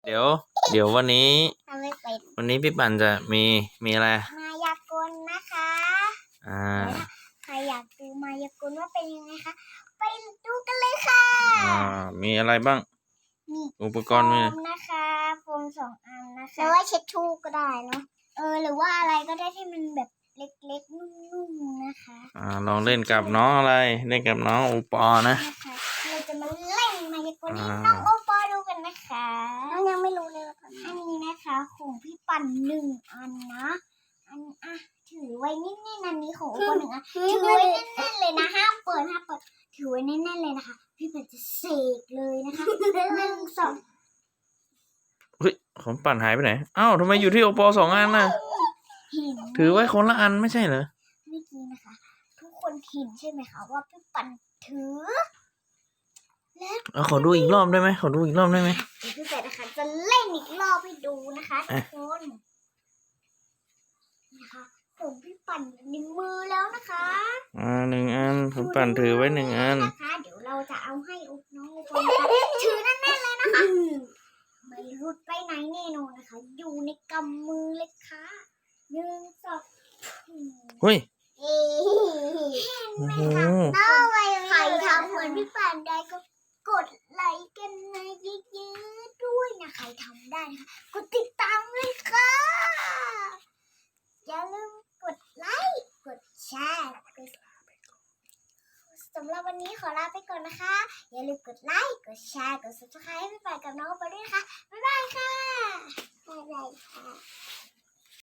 เดี๋ยวเดี๋ยววันนี้ทำไม่เป็นวันนี้พี่ปั่นจะมีอะไรมายากลนะคะอ่าใครอยากดูมายากลว่าเป็นยังไงคะไปดูกันเลยค่ะมีอะไรบ้างมีอุปกรณ์มีนะคะโฟม2 อันนะคะแล้วว่าเช็ดทูก็ได้เนาะหรือว่าอะไรก็ได้ที่มันแบบเล็กๆนุ่มๆนะคะลองเล่นกับน้องอะไรเล่นกับน้องโอปอนะเราจะมาเล่นมายากลให้น้องโอปอดูกันนะคะน้องยังไม่รู้เลยว่าอันนี้นะคะของพี่ปั่น1 อันนะถือไว้นิ่งๆอันนี้ของโอปอ1 อันถือไว้แน่นๆเลยนะห้ามเปิดถือไว้แน่นๆเลยนะคะพี่ปั่นจะเสกเลยนะคะ1 2 เฮ้ยของปั่นหายไปไหนทำไมอยู่ที่โอปอ2 อันน่ะถือไว้คนละอันไม่ใช่เหรอเมื่อกี้นะคะทุกคนเห็นใช่ไหมคะว่าพี่ปั่นถือขอดูอีกรอบได้ไหมขอดูอีกรอบได้ไหมเดี๋ยวพี่เป็ดนะคะจะเล่นอีกรอบให้ดูนะคะทุกคนนะคะผมพี่ปั่นในมือแล้วนะคะ 1 อันผมปั่นถือไว้1 อันนะคะเดี๋ยวเราจะเอาให้น้องอุปนถือแน่นๆเลยนะคะไม่รุดไปไหนแน่นอนนะคะอยู่ในกำมือเลยค่ะ1 2 เฮ้ยเห็นไหมคะใครทำเหมือนพี่ปั่นได้ก็กดไลค์กันนะเยอะๆด้วยนะใครทำได้นะคะกดติดตามเลยค่ะอย่าลืมกดไลค์กดแชร์สำหรับวันนี้ขอลาไปก่อนนะคะอย่าลืมกดไลค์กดแชร์กด subscribe ให้พี่ปั่นกับน้องไปด้วยนะคะบ๊ายบายค่ะบ๊ายบายค่ะ